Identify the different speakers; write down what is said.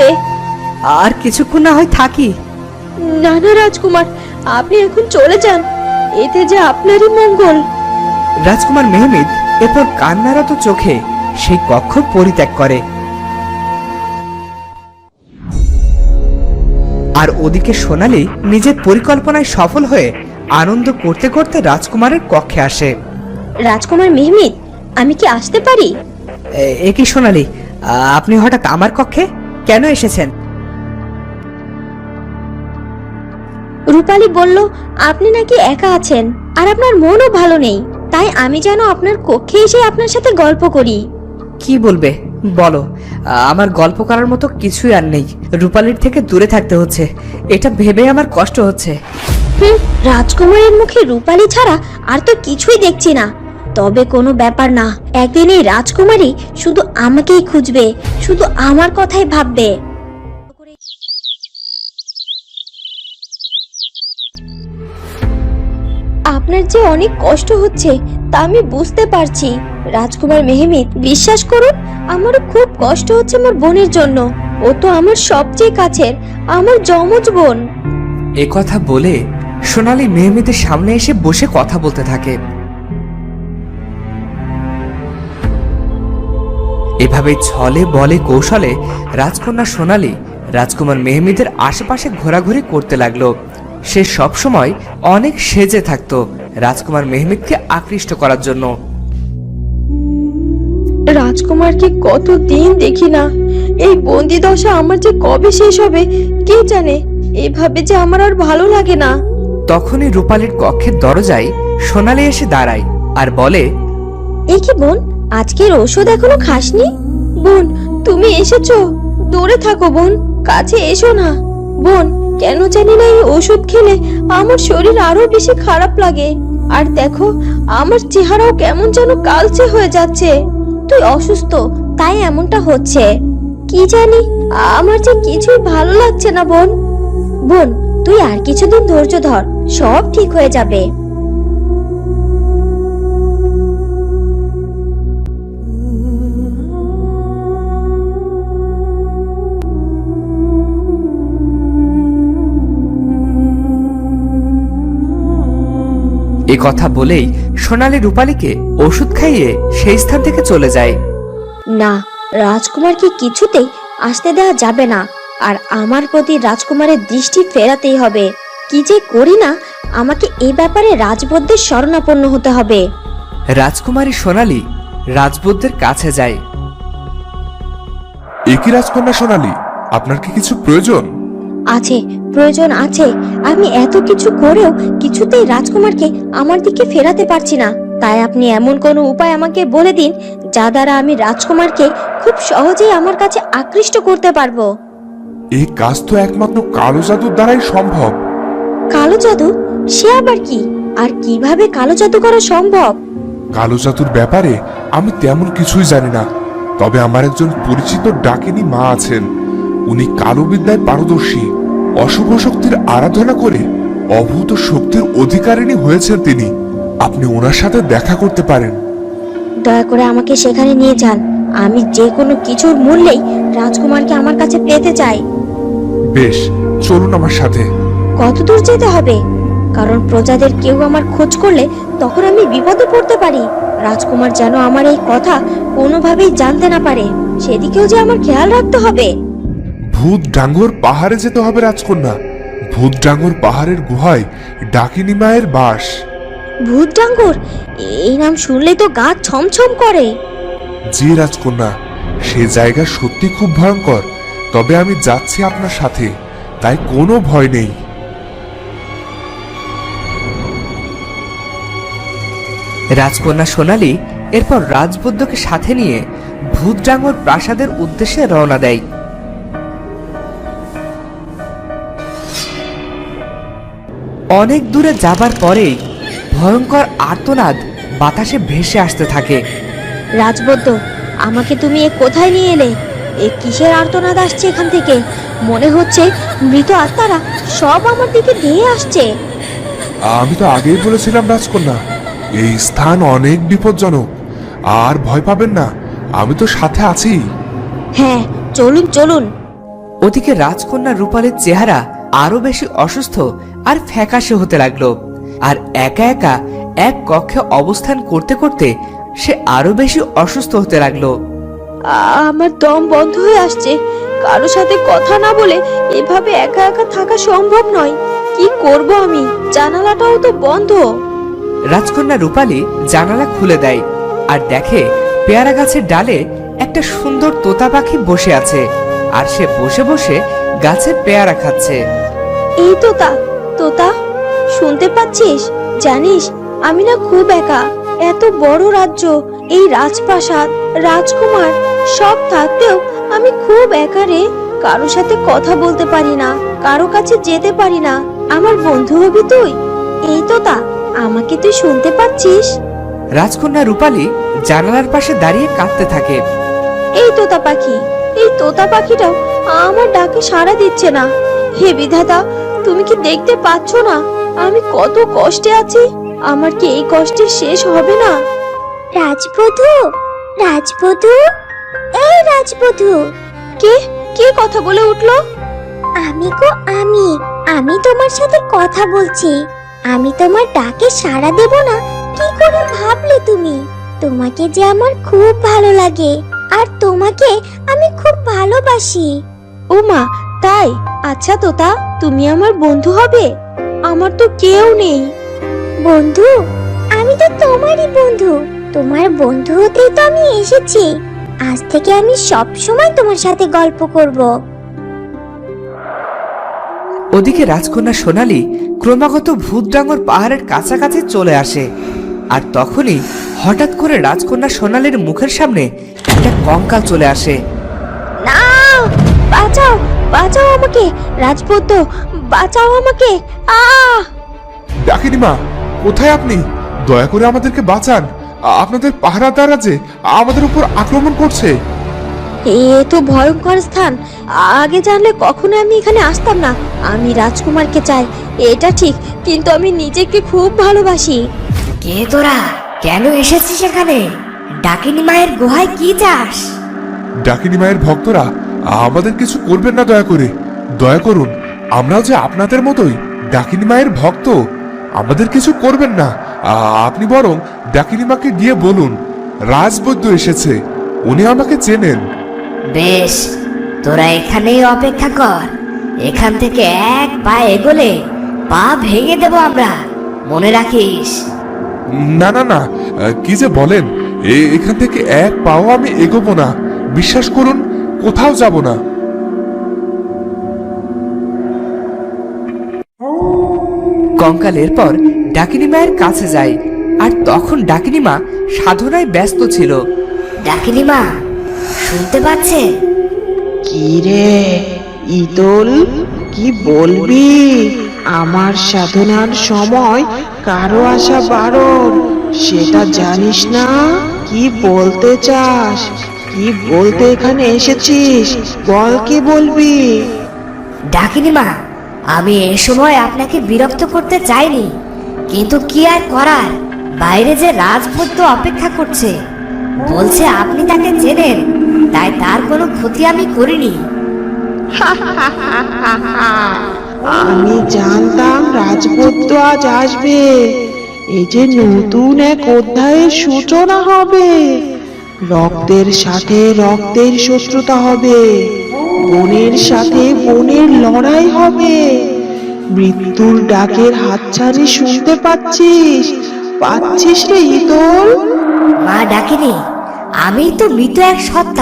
Speaker 1: হবে।
Speaker 2: আর কিছুক্ষণ না হয় থাকি।
Speaker 1: না না রাজকুমার, আপনি এখন চলে যান, এতে যে আপনারই মঙ্গল।
Speaker 2: রাজকুমার মেহমিদ এরপর কান্নারত চোখে সেই কক্ষ পরিত্যাগ করে। আর ওদিকে সোনালী নিজের পরিকল্পনায় সফল হয়ে আনন্দ করতে করতে রাজকুমারের কক্ষে আসে।
Speaker 1: রাজকুমার মেহমিদ, আমি কি আসতে পারি?
Speaker 2: এ কি সোনালী, আপনি হঠাৎ আমার কক্ষে কেন এসেছেন?
Speaker 1: রূপালী বলল আপনি নাকি একা আছেন আর আপনার মনও ভালো নেই, তাই আমি যেন আপনার কক্ষে এসে আপনার সাথে গল্প করি।
Speaker 2: কি বলবে বলো, আমার গল্প করার মতো কিছুই আর নেই। রূপালীর থেকে দূরে থাকতে হচ্ছে, এটা ভেবে আমার কষ্ট হচ্ছে।
Speaker 1: রাজকুমারের মুখে রূপালী ছাড়া আর তো কিছুই দেখছি না। তবে কোনো ব্যাপার না, একদিন এই রাজকুমারী শুধু আমাকেই খুঁজবে, শুধু আমার কথাই ভাববে। আপনার যে অনেক কষ্ট হচ্ছে তা আমি বুঝতে পারছি রাজকুমার মেহমিদ, বিশ্বাস করুন আমারও খুব কষ্ট হচ্ছে আমার বোনের জন্য। ও তো আমার সবচেয়ে কাছের, আমার যমজ বোন।
Speaker 2: এ কথা বলে সোনালী মেহমিদের সামনে এসে বসে কথা বলতে থাকে। এভাবে ছলে বলে কৌশলে রাজকন্যা সোনালী রাজকুমার মেহমিদের আশেপাশে ঘোরাঘুরি করতে লাগলো। সে সব সময় অনেক সেজে থাকতো রাজকুমার মেহমিদকে আকৃষ্ট করার জন্য।
Speaker 1: রাজকুমারকে কতদিন দেখি না, এই বন্দি দশা আমার যে কবে শেষ হবে কে জানে। এভাবে যে আমার আর ভালো লাগে না।
Speaker 2: তখনই রূপালীর কক্ষের দরজায় সোনালী এসে দাঁড়ায় আর বলে,
Speaker 1: এ কি বোন, আজকের ওষুধ এখনো খাসনি? বোন তুমি এসেছো? দূরে থাকো বোন, কাছে এসো না। বোন, কেন জানি না এই ওষুধ খেলে আমার শরীর আরো বেশি খারাপ লাগে। আর দেখো আমার চেহারাও কেমন যেন কালচে হয়ে যাচ্ছে। তুই অসুস্থ তাই এমনটা হচ্ছে। কি জানি, আমার যে কিছুই ভালো লাগছে না বোন। বোন তুই আর কিছুদিন ধৈর্য ধর, সব ঠিক হয়ে যাবে।
Speaker 2: এ কথা বলেই সোনালী রূপালীকে ওষুধ খাইয়ে সেই স্থান থেকে চলে যায়।
Speaker 1: না, রাজকুমারকে কিছুতেই আসতে দেওয়া যাবে না। আর আমার প্রতি রাজকুমারের দৃষ্টি ফেরাতেই হবে। কি যে করি না, আমাকে এই ব্যাপারে রাজবৈদ্যের শরণাপন্ন হতে হবে।
Speaker 2: রাজকুমারী সোনালী রাজবৈদ্যের কাছে যায়।
Speaker 3: একই রাজকন্যা সোনালী, আপনার কি কিছু প্রয়োজন?
Speaker 1: আছে, প্রয়োজন আছে। আমি এত কিছু করেও কিছুতেই রাজকুমারকে আমার দিকে ফেরাতে পারছি না। তাই আপনি এমন কোনো উপায় আমাকে বলে দিন যা দ্বারা আমি রাজকুমারকে খুব সহজেই আমার কাছে আকৃষ্ট করতে পারবো।
Speaker 3: এই কাজ তো একমাত্র কালো জাদুর দ্বারাই সম্ভব।
Speaker 1: কালো জাদু? সে আবার কি? আর কিভাবে কালো জাদু করা সম্ভব?
Speaker 3: কালো জাদুর ব্যাপারে আমি তেমন কিছুই জানি না, তবে আমার একজন পরিচিত ডাকিনী মা আছেন। উনি কালো বিদ্যায় পারদর্শী। অশুভ শক্তির আরাধনা করে অভূত শক্তির অধিকারিণী হয়েছেন তিনি। আপনি ওনার সাথে দেখা করতে পারেন।
Speaker 1: দয়া করে আমাকে সেখানে নিয়ে যান। আমি যে কোনো কিছুর মূল্যেই রাজকুমারকে আমার কাছে পেতে চাই।
Speaker 3: বেশ, চলুন আমার সাথে।
Speaker 1: কত দূর যেতে হবে? কারণ প্রজাদের কেউ আমার খোঁজ করলে তখন আমি বিপদে পড়তে পারি। রাজকুমার যেন আমার এই কথা কোনোভাবেই জানতে না পারে, সেদিকেও যে আমার খেয়াল রাখতে হবে।
Speaker 3: ভূত ডাঙ্গর পাহাড়ে যেতে হবে রাজকন্যা। ভূত ডাঙ্গর পাহাড়ের গুহায় ডাকিনী মায়ের বাস।
Speaker 1: ভূত ডাঙ্গর? এই নাম শুনলেই তো গা ছমছম করে।
Speaker 3: জি রাজকন্যা, সে জায়গা সত্যি খুব ভয়ঙ্কর। তবে আমি যাচ্ছি আপনার সাথে, তাই কোনো ভয় নেই।
Speaker 2: রাজকন্যা সোনালী এরপর রাজবৈদ্যকে সাথে নিয়ে ভূতডাঙ্গর প্রাসাদের উদ্দেশ্যে রওনা দেয়। অনেক দূরে যাবার পরেই ভয়ঙ্কর আর্তনাদ বাতাসে ভেসে আসতে থাকে।
Speaker 1: রাজবৈদ্য, আমাকে তুমি এ কোথায় নিয়ে এলে? এ কিসের আর্তনাদ আসছে এখান থেকে? মনে হচ্ছে মৃত আত্মারা সব আমার দিকে ধেয়ে আসছে।
Speaker 3: আমি তো আগেই বলেছিলাম রাজকন্যা, এই স্থান অনেক বিপজ্জনক। আর ভয় পাবেন না, আমি তো সাথে আছি।
Speaker 1: হ্যাঁ, চলুন চলুন।
Speaker 2: ওদিকে রাজকন্যা রূপালীর চেহারা আরো বেশি অসুস্থ আর ফ্যাকাশে হতে লাগলো। আর একা একা এক কক্ষে অবস্থান করতে করতে সে আরো বেশি অসুস্থ হতে লাগলো।
Speaker 1: আমার দম বন্ধ হয়ে আসছে। কারো সাথে কথা না বলে এভাবে একা একা থাকা সম্ভব নয়। কি করব আমি? জানালাটাও তো বন্ধ।
Speaker 2: রাজকন্যা রূপালী জানালা খুলে দেয় আর দেখে পেয়ারা গাছের ডালে একটা সুন্দর তোতা পাখি বসে আছে, আর সে বসে বসে গাছের পেয়ারা খাচ্ছে।
Speaker 1: এই তোতা, তোতা, শুনতে পাচ্ছিস? জানিস আমি না খুব একা। এত বড় রাজ্য, এই রাজপ্রাসাদ, রাজকুমার সব থাকতেও আমি খুব একা রে। কারো সাথে কথা বলতে পারি না, কারো কাছে যেতে পারি না। আমার বন্ধু হবি তুই? এই তোতা, আমাকে তুই শুনতে পাচ্ছিস?
Speaker 2: রাজকন্যা রূপালী জানালার পাশে দাঁড়িয়ে কাঁদতে থাকে।
Speaker 1: এই তোতা পাখি, এই তোতা পাখিটাও আমার ডাকে সাড়া দিচ্ছে না। হে বিধাতা, তুমি কি দেখতে পাচ্ছ না আমি কত কষ্টে আছি? আমার কি এই কষ্টের শেষ হবে না?
Speaker 4: রাজবধূ, রাজবধূ, এই রাজবধূ।
Speaker 1: কে কে কথা বলে উঠলো?
Speaker 4: আমি গো, আমি তোমার সাথে কথা বলছি। আমি তোমার ডাকে সাড়া দেব না কি করে ভাবলে তুমি? তোমাকে যে আমার খুব ভালো লাগে, আর তোমাকে আমি খুব ভালোবাসি।
Speaker 1: ও মা, তাই? আচ্ছা তোতা, তুমি আমার বন্ধু হবে? আমার তো কেউ নেই।
Speaker 4: বন্ধু? আমি তো তোমারই বন্ধু। তোমার বন্ধু হতেই তো আমি এসেছি। আজ থেকে আমি সব সময় তোমার সাথে গল্প করব।
Speaker 2: ওদিকে রাজকন্যা সোনালী ক্রমাগত ভূতডাঙ্গর পাহাড়ের কাছাকাছি চলে আসে, আর তখনই হঠাৎ করে রাজকন্যা সোনালীর মুখের সামনে একটা কঙ্কাল চলে আসে।
Speaker 1: না, বাঁচাও, বাঁচাও আমাকে রাজপুত্র, বাঁচাও আমাকে।
Speaker 3: ডাকিনি মা, কোথায় আপনি? দয়া করে আমাদেরকে বাঁচান। আপনাদের পাহারাদাররা যে আমাদের উপর আক্রমণ করছে।
Speaker 1: এ তো ভয়ঙ্কর স্থান। আগে জানলে কখনো আমি এখানে আসতাম না। আমি রাজকুমারকে চাই, এটা ঠিক, কিন্তু আমি নিজেকে খুব ভালোবাসি।
Speaker 5: কে তোরা? কেন এসেছিস এখানে? ডাকিনী মায়ের গুহায় কি চাস?
Speaker 3: ডাকিনি মায়ের ভক্তরা আমাদের কিছু করবেন না, দয়া করে। দয়া করুন, আমরাও যে আপনাদের মতোই ডাকিনি মায়ের ভক্ত। আমাদের কিছু করবেন না। আপনি বরং ডাকিনি মাকে গিয়ে বলুন রাজবৈদ্য এসেছে, উনি আমাকে চেনেন।
Speaker 5: বেশ, তোরা এখানেই অপেক্ষা কর। এখান থেকে এক পা এগোলে পা ভেঙে দেব আমরা, মনে রাখিস।
Speaker 3: না না না, কি যে বলেন! এখান থেকে এক পাও আমি এগোবো না। বিশ্বাস করুন, কোথাও যাব না।
Speaker 2: কঙ্কাল এরপর ডাকিনী মায়ের কাছে যায়, আর তখন ডাকিনী মা সাধনায় ব্যস্ত ছিল।
Speaker 5: ডাকিনী মা শুনতে পাচ্ছে?
Speaker 6: কি রে ইদল, কি বলবি? আমার সাধনার সময় কারো আসা বারণ, সেটা জানিস না? কি বলতে চাস? কি বলতে এখানে এসেছিস? বল, কি বলবি?
Speaker 5: ডাকিনী মা, আমি এ সময় আপনাকে বিরক্ত করতে চাইনি, কিন্তু কি আর করার, বাইরে যে রাজপুত্র অপেক্ষা করছে। বলছে আপনি তাকে চেনেন, তাই তার কোনো ক্ষতি আমি করিনি।
Speaker 6: আমি জানতাম রাজপুত্র আজ আসবে। এই যে নতুন এক অধ্যায়ের সূচনা হবে। রক্তের সাথে রক্তের শত্রুতা হবে, বনের সাথে বনের লড়াই হবে। মৃত্যুর ডাকের হাতছানি শুনতে পাচ্ছিস? পাচ্ছিস রে ইতল?
Speaker 5: মা ডাকিনী, আমি তো মৃত এক সত্তা।